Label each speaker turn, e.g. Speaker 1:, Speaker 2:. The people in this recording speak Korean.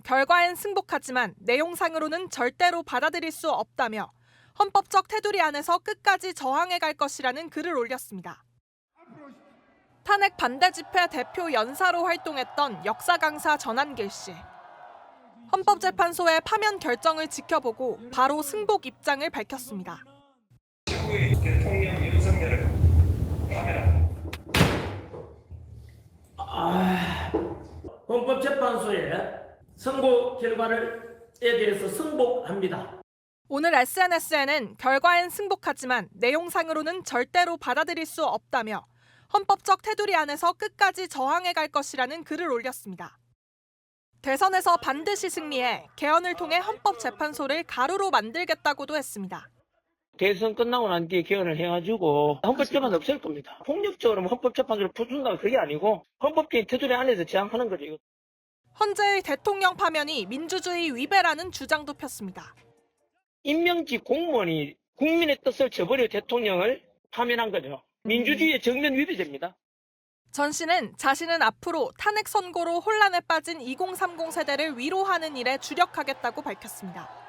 Speaker 1: 결과엔 승복하지만 내용상으로는 절대로 받아들일 수 없다며 헌법적 테두리 안에서 끝까지 저항해 갈 것이라는 글을 올렸습니다. 탄핵 반대 집회 대표 연사로 활동했던 역사 강사 전한길 씨. 헌법재판소의 파면 결정을 지켜보고 바로 승복 입장을 밝혔습니다.
Speaker 2: 최고의 대통령 윤석열을 파면한다.
Speaker 3: 헌법재판소의 선고 결과에 대해서 승복합니다.
Speaker 1: 오늘 SNS에는 결과엔 승복하지만 내용상으로는 절대로 받아들일 수 없다며 헌법적 테두리 안에서 끝까지 저항해 갈 것이라는 글을 올렸습니다. 대선에서 반드시 승리해 개헌을 통해 헌법재판소를 가루로 만들겠다고도 했습니다.
Speaker 4: 대선 끝나고 난 뒤에 개헌을 해가지고 헌법재판소 없앨 겁니다. 폭력적으로 헌법재판소를 부순다가 그게 아니고 헌법적인 테두리 안에서 제한하는 거죠.
Speaker 1: 헌재의 대통령 파면이 민주주의 위배라는 주장도 폈습니다.
Speaker 4: 임명직 공무원이 국민의 뜻을 저버려 대통령을 파면한 거죠. 민주주의의 정면 위배제입니다.
Speaker 1: 전 씨는 자신은 앞으로 탄핵 선고로 혼란에 빠진 2030 세대를 위로하는 일에 주력하겠다고 밝혔습니다.